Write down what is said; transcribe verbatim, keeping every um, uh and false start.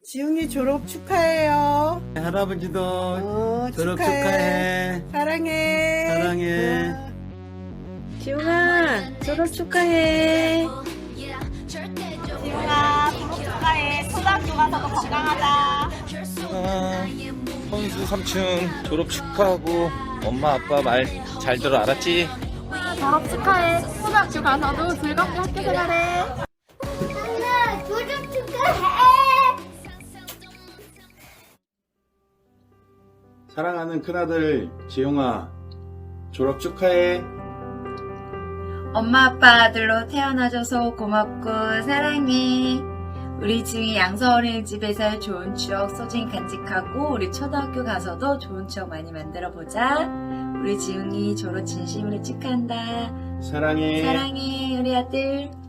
지웅이 졸업 축하해요. 할아버지도 어, 졸업 축하해. 축하해. 사랑해. 사랑해. 어. 지웅아, 졸업 축하해. 지웅아 졸업 축하해. 초등학교 가서도 건강하자. 아, 선수 삼층 졸업 축하하고 엄마 아빠 말 잘 들어 알았지? 졸업 축하해. 초등학교 가서도 즐겁게 학교 생활해. 엄마, 졸업 축하해! 사랑하는 큰아들 지용아, 졸업 축하해. 엄마 아빠 아들로 태어나줘서 고맙고 사랑해. 우리 지웅이 양서 어린이집에서 좋은 추억 소중히 간직하고 우리 초등학교 가서도 좋은 추억 많이 만들어 보자. 우리 지웅이 졸업 진심으로 축하한다. 사랑해. 사랑해 우리 아들.